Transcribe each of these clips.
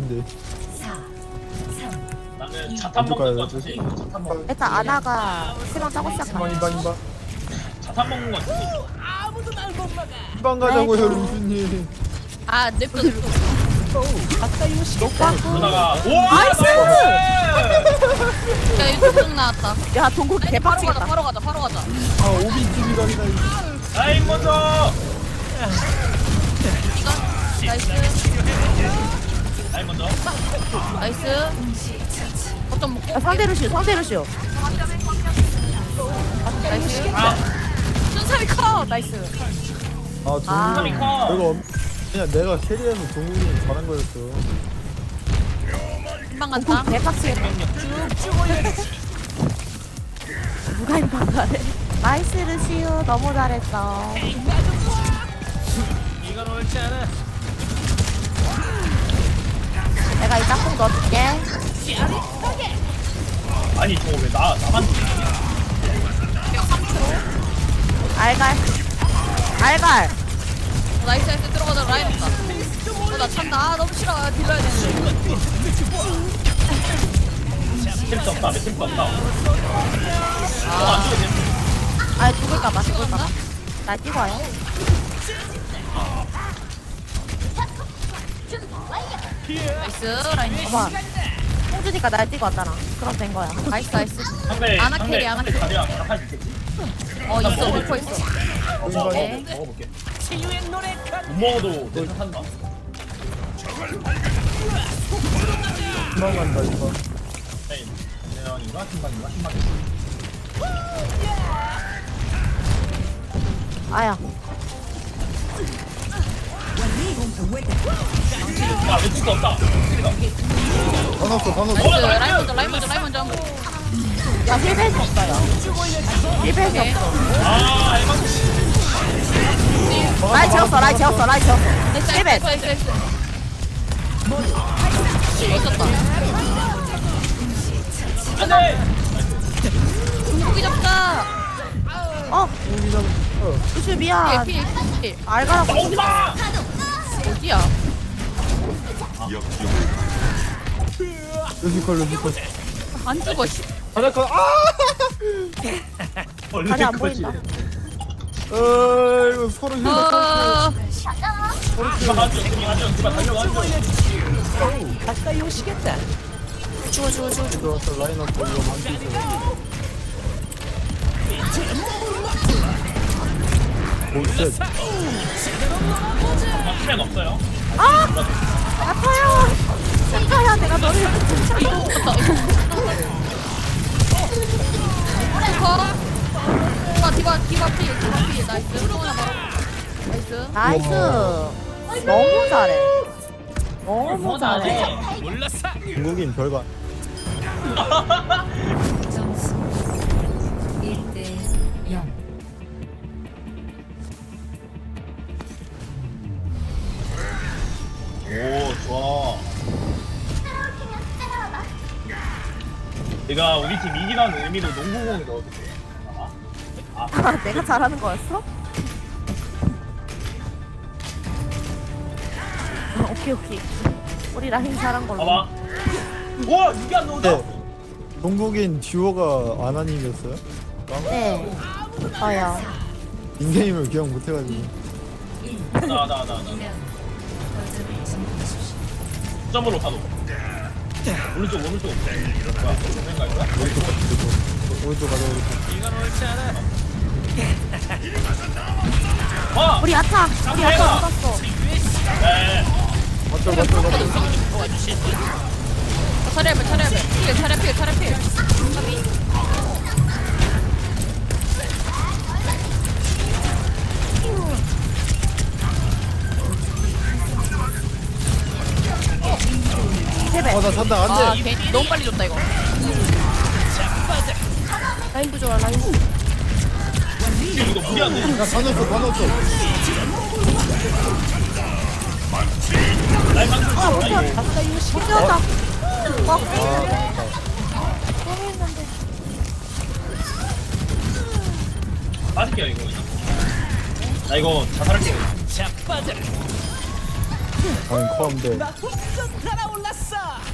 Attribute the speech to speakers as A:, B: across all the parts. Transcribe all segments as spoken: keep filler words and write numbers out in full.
A: 있는데.
B: 나는 자탄 먹는 거 같은데 이거 자탄 먹는 거
C: 일단 아나가 실망 짜고
A: 인방
C: 시작하네.
A: 인방 인방.
B: 자탄 먹는 거 같은데
A: 인방 가자고요
C: 네.
A: 루슈님.
D: 아 냅둬 냅둬.
B: 그러다가 오
C: 나이스!
D: 야 이거 tung 나왔다.
C: 야 동국
D: 바로 가자
C: 개빡치겠다.
D: 바로 가자 바로 가자.
A: 아 오비집이 가리다.
B: 라인 먼저
D: 이거 나이스
B: 라인 먼저
D: 나이스. 어쩜 먹고
C: 야, 상대 루시오 상대 루시오.
D: 나이스.
B: 아
D: 순살이 커 나이스.
A: 아
C: 아.
A: 동국이 내가 엄- 그냥 내가 캐리해서 동국이 잘한 거였어.
D: 금방 간다.
C: 동국 개빡치겠다. 누가 인방 가래? 나이스 루시오 너무 잘했어.
B: 이건 옳지 않아
C: 내가 이따 꼭 넣어줄게.
B: 아니 저거 왜 나 나만
C: 알갈 알갈.
D: 어, 나이스 나이스 들어가자 라인 없다. 어나 찬다. 아 너무 싫어. 딜러야 되는데.
B: 템스 없다 템스 없다 어안 죽어도 돼
C: 아 죽을까봐 죽을까봐. 날 뛰고 와요.
D: 나이스 라인.
C: 어머. 홍준이가 날 뛰고 왔잖아. 그럼 된 거야.
D: 나이스 나이스.
B: 상대
D: 아나
B: 상대
D: 캐리, 아나
B: 상대
D: 캐리.
B: 자리야 자탄 있겠지
D: 어 있어 먹고 있어.
B: 어 먹어
D: 네.
B: 먹어볼게 못 먹어도 내 탓한다
A: 인방 간다 인방.
B: 라인 대형인가 신방인가 신방인가
C: 아야.
B: 야 왼쪽도 없다
A: 다 넣었어 다 넣었어.
D: 나이스 라인 먼저 라인 먼저 라인 먼저.
C: 야 힐벨이 없어요. 힐벨이
D: 오케이.
C: 없어.
B: 아 에방
C: 라이 재웠어 라이 재웠어 라이 재웠어.
D: 나이스
C: 힐벨.
D: 나이스 나이스. 멋졌다.
B: 안돼
D: 고기 잡자.
C: 어
A: 동국이 잡. 어.
C: 루시 미안.
D: 피해 피해 피해.
C: 알가라고.
B: 오지마
D: 어디야?
A: 루시컬 루시컬.
D: 안 죽어 씨.
A: 하나컷 아.
C: 아니 안 보인다.
A: 어 이거 서로 힐.
D: 어.
B: 디바 가죠 디바 가죠 디바 달려가죠
C: 죽어 죽어 죽어.
A: 들어왔어 라인 없고 이거 만기 있어. 오쉣.
B: 수면 없어요
C: 아 아파요. 생가야 내가 너를
D: 디바 디바 디바 피 디바 피 나이스. 또 하나 바로. 나이스.
C: 나이스. 너무 잘해. 너무 잘해.
A: 중국인 별거.
E: 점수 일 대 영.
B: 오 좋아 내가 우리 팀 이기라는 의미로 농구공을 넣어줄게 아,
C: 아, 내가 잘하는 거였어? 아, 오케이 오케이. 우리 라인 잘한 걸로.
B: 봐봐 우와 이게 안 나온다
A: 네. 동국인 듀오가 아나님이었어요?
C: 네. 저요.
A: 닉네임을 기억 못해가지고.
B: 나나나나 점으로 가도 오른쪽 오른쪽 뭐야 왼가 이거야?
A: 오른쪽 가자 오른쪽. 오른쪽 가자 오른쪽.
B: 와!
C: 우리 아타. 우리 아타 죽었어.
B: 네
A: 맞죠 맞죠 맞죠.
D: 차례배 차례배. 피해 차례 피해 차례 피해.
C: 세배.
A: 어나 산다
D: 아
A: 안돼.
D: 괜히 너무 빨리 줬다 이거.
C: 라인 부좋아 라인.
B: 이거 무리한데
A: 야다 넣었어 다 넣었어.
B: 라인 방금
C: 아 못해. 못 뛰었다. 어.
B: 빠질게요 이거 나 이거 자살할게요
A: 아니 컴데.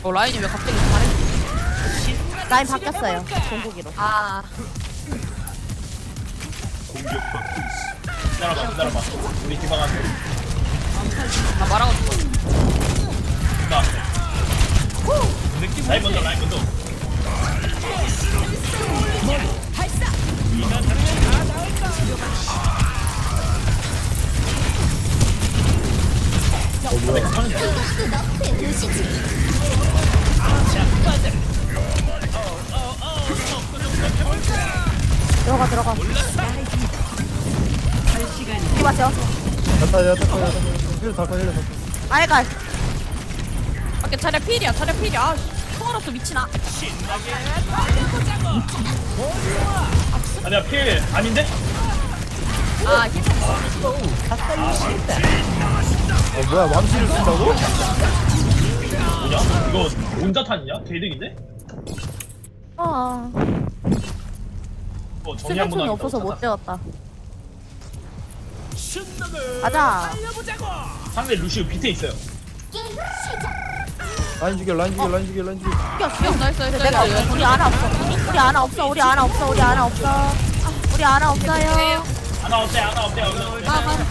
D: 어 라인이 왜 갑자기 잘해?
C: 라인 바뀌었어요. 종국이로.
D: 아
B: 기다려봐 기다려봐 우리 디바가
D: 나 말하고 싶어.
B: 나 라인 먼저 라인 먼저
A: 어 뭐야
C: 들어가 들어가. 이거 맞죠?
A: 야타 야타 야타 야타 힐 닦아 힐 닦아
C: 알갈.
D: 오케이 차례 필이야 차례 필이야. 아, 총알 없어 미친아.
B: 아니야 필 아닌데?
D: 아 힘.
A: 어 뭐야 망치를 쓴다고?
B: 뭐냐? 이거 온자탄이냐? 개득인데?
C: 어.
B: 어 정리 한번
C: 수면총이
B: 하겠다,
C: 없어서 못
B: 온자탄.
C: 되었다. 가자.
B: 상대 루시우 밑에 있어요
A: 라인 죽여 라인 죽여 라인 죽여 라인 죽여
C: 죽여 죽여.
D: 나이스 나이스
C: 내가
D: 나이스.
C: 우리 아나 없어. 우리 아나 없어. 우리 아나 없어. 우리 아나 없어. 우리 아나 없어요.
B: 하나 어때 하나 어때 하나 어때
D: 아 가.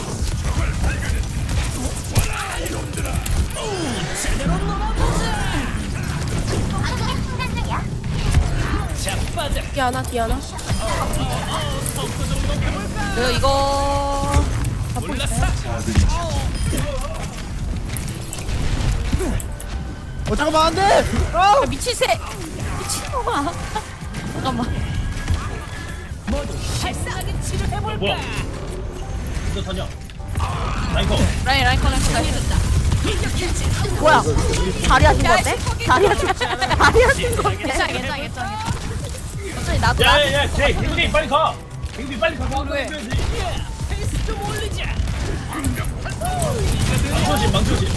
C: 디아나 디아나.
D: 그 이거
A: 어 잠깐만 안돼! 아!
D: 야, 미친 새 미친놈아. 잠깐만.
B: 어, 뭐야 온자탄이야 라인 컷
D: 라인 라인 커넥트 다 해줬다.
C: 뭐야? 자리 하신 건데? 자리 하신 자리 하신 건데?
D: 괜찮아 괜찮아 괜찮아. 어차피 나도 나.
B: 야야야 쟤 갱비 빨리 가 갱비 빨리 가
D: 왜?
B: 망쳐지 망쳐지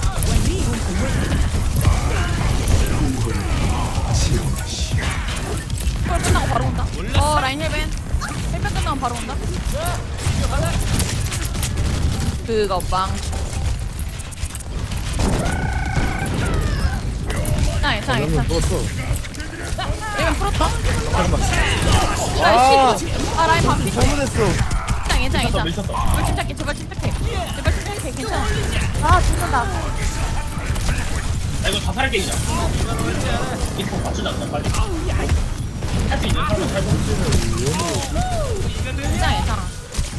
D: 헐 끝나고 바로 온다. 어 라인 헬벤. 헬벤 끝나고 바로 온다. 그거 빵. 괜찮아 괜찮아
A: 면
D: 괜찮아.
A: 누웠어
D: 헬벤 풀었다.
A: 잠깐만
D: 아,
A: 아
D: 씨. 아 라인 반피.
A: 잘못했어
D: 괜찮아 괜찮아 괜찮아.
B: 미쳤다
D: 제발 침착해 제발 침착해. 제발 침착해 괜찮아.
C: 아 죽는다.
B: 나 이거 다 살게 그냥 이거 맞추자 그냥 빨리 할 수 있는 사람은 살고
D: 괜찮아 괜찮아.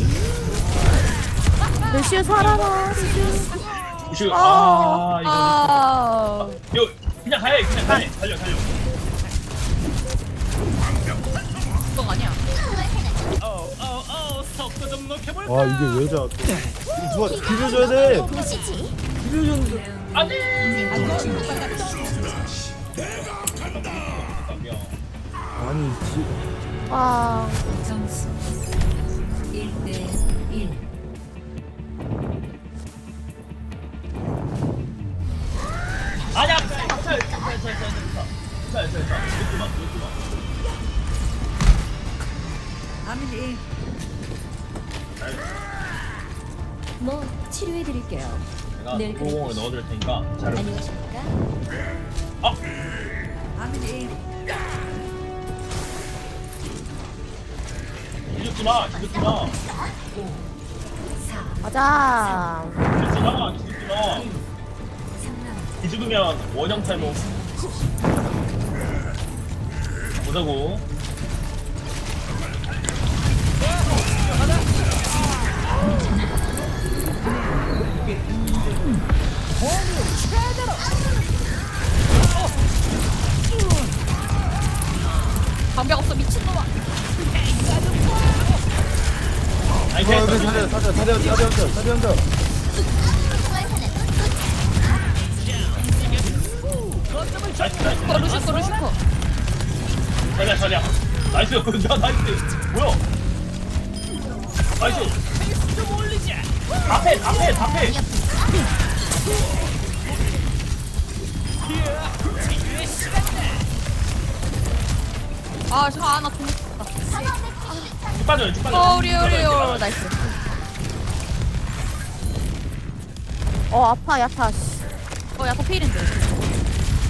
C: 루시우 살아나.
B: 루시우 아 이거
D: 아.
B: 이거 그냥 가야 해 그냥 가야 해 달려 달려
D: 그거 아니야.
A: 아 이게 왜 자? 누가 비벼줘야 돼. 비벼줬는데.
B: 안돼
A: 아니 지.
C: 와.
E: 점수 일 대 일.
B: 아니야 자자자자자자자자자 이거 봐 이거 봐
E: 뭐 치료해 드릴게요.
B: 내가
E: 네,
B: 구공을 넣어줄 테니까 잘
E: 안녕하십니까?
B: 아! 뒤집지마 뒤집지마
C: 가자.
B: 뒤집지마 뒤집지마 뒤집으면 원형 탈모 보자고
D: 방벽 없어 미친놈아.
B: 아니
A: 어,
B: 그냥
A: 사려 사려 사려 사려 사려 사려 사려.
B: 나이스 나이스
D: 어 루시코 루시코.
B: 자리야 자리야 나이스 야 나이스 뭐야 나이스 앞에 앞에 앞에
D: 아 잠깐 아나 돈.
B: 쭉 빠져요 쭉 빠져요
D: 어 우리 우리 어 나이스.
C: 어 아파 야타.
D: 어 야타 필인데.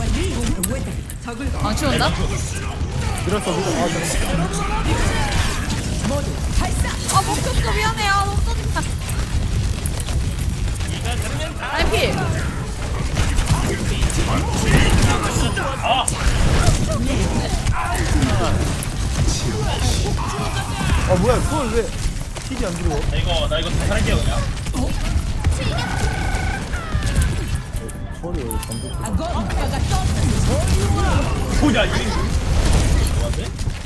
D: 망치 온다?
A: 밀었어 밀었어. 아 잠깐만.
D: 아 멈췄어 미안해. 아 너무 짜증나. 라이피.
A: 아 뭐야 그걸 왜 힐이 안 들어와?
B: 나 이거 나 이거 다 살게요 그냥.
A: 소리 왜 감독?
B: 뭐야 이게 뭐한데?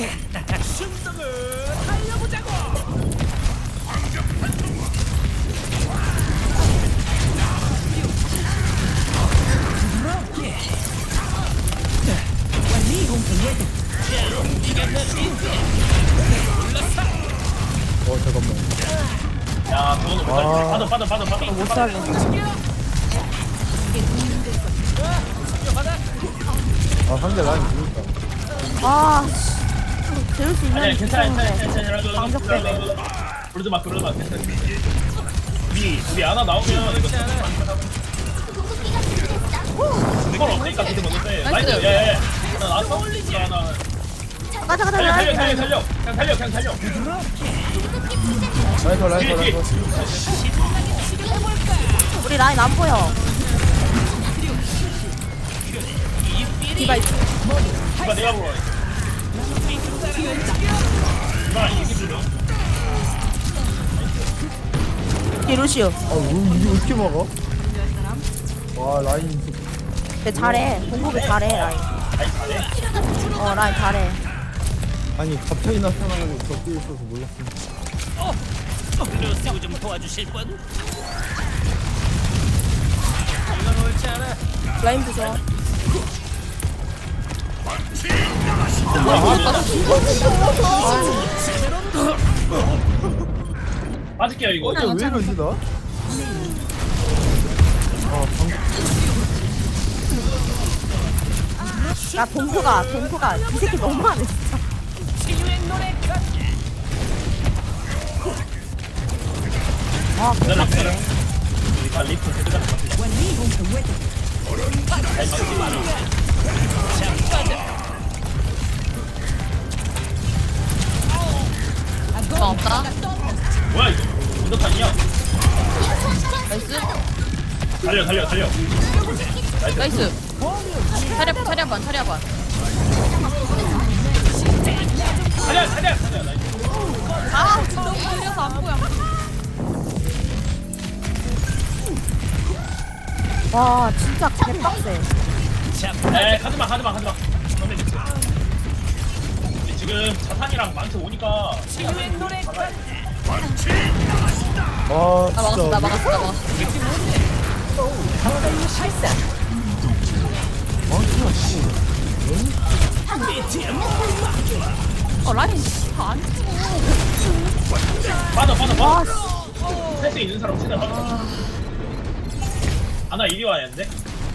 A: 어 잠깐만.
B: 야 그거는 못
A: 아.
B: 살려. 빠져 빠져 빠져 빠져. 못 살려.
A: 아 상대 라인 죽었다.
C: 아 재울 수 있는
B: 아니야 괜찮아 괜찮아
C: 있었는데.
B: 괜찮아 괜찮아.
C: 방적 때문에.
B: 부르지 마 부르지 마 괜찮아. 우리 우리 하나 나오면 이거 이걸 없으니까 그때 먹는데.
D: 나이스.
B: 나이스. 야야야. 나 나왔어? 나 나.
C: 가자 가자
B: 달려 달려
C: 라인
B: 달려 달려. 그냥 달려 그냥 달려.
A: 라인 더 라인 더
B: 뒤에
A: 라인
B: 뒤에.
A: 더.
C: 우리 라인 안 보여. 디바 있어.
B: 이봐 내가 보러. 이봐 이게 들려.
C: 뒤 루시오.
A: 아왜 이게 왜 이렇게 막아? 와 라인.
C: 걔 잘해. 공격을 잘해 라인.
B: 아이 잘해.
C: 어 라인 잘해.
A: 아니 갑자기 나타나고 저 뛰어 있어서 몰랐어.
F: 루시우 좀 도와주실 분?
C: 라인 부좋아.
B: 빠질게요 이거.
A: 왜 이러지 나? 아 방금.
C: 야 동프가 동프가 이 새끼 너무하네 진짜. 아
B: 기다려 기다려. 우리가 리프 해주자. 아이 막지 마.
D: 나 없다.
B: 뭐야 이거? 운동탄이야?
D: 나이스.
B: 달려 달려 달려. 나이스.
D: 나이스. 차려 차려 반 차려 반.
B: 달려 달려 달려. 나이스.
D: 아 너무 느려서 안 보여.
C: 와 진짜 개빡세.
B: 에 가지마 가지마 가지마. 선배 미치. 지금 자탄이랑 망치 오니까.
A: 아
D: 나 막았어 나
A: 진짜.
D: 막았어 나 막았어.
A: 망치가 씨.
D: 어 라인 안 죽어.
B: 빠져 빠져
C: 와
B: 빠져. 할수 있는 사람 최대한 빠져. 아나 이리 와야 했는데.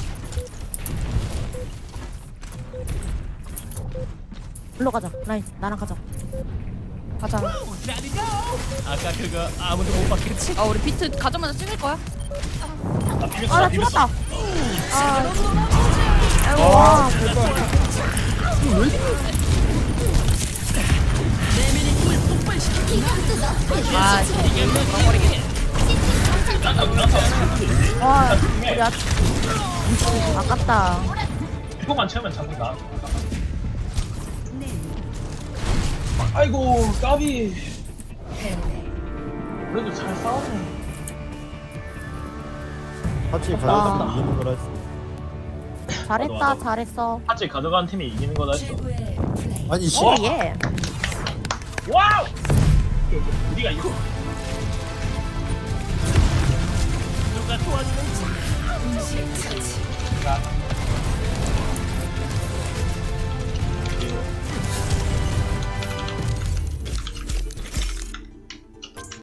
C: 일로 가자. 라인 나랑 가자. 가자.
F: 아까 그거 아무도 못 봤겠지?
D: 아 우리 비트 가자마자 찍을 거야?
B: 나 비볐어
C: 아나
B: 나 비볐어.
C: 죽었다. 아 아이고 와.
D: 아 이게 물어버리겠네.
B: 나타 나타.
C: 와 우리 아 아깝다.
B: 이거만 채우면 잡는다. 아이고 까비. 그래도 잘 싸우네.
A: 같이
C: 아.
A: 가야 이기는 거라 했어.
C: 잘했다
B: 맞아.
C: 잘했어.
B: 같이 가져간 팀이 이기는 거다 했어.
E: 최고의 플레이.
A: 아니 씨.
C: 오 예.
B: 와우! 우리가 이거
F: 누가 도와주는지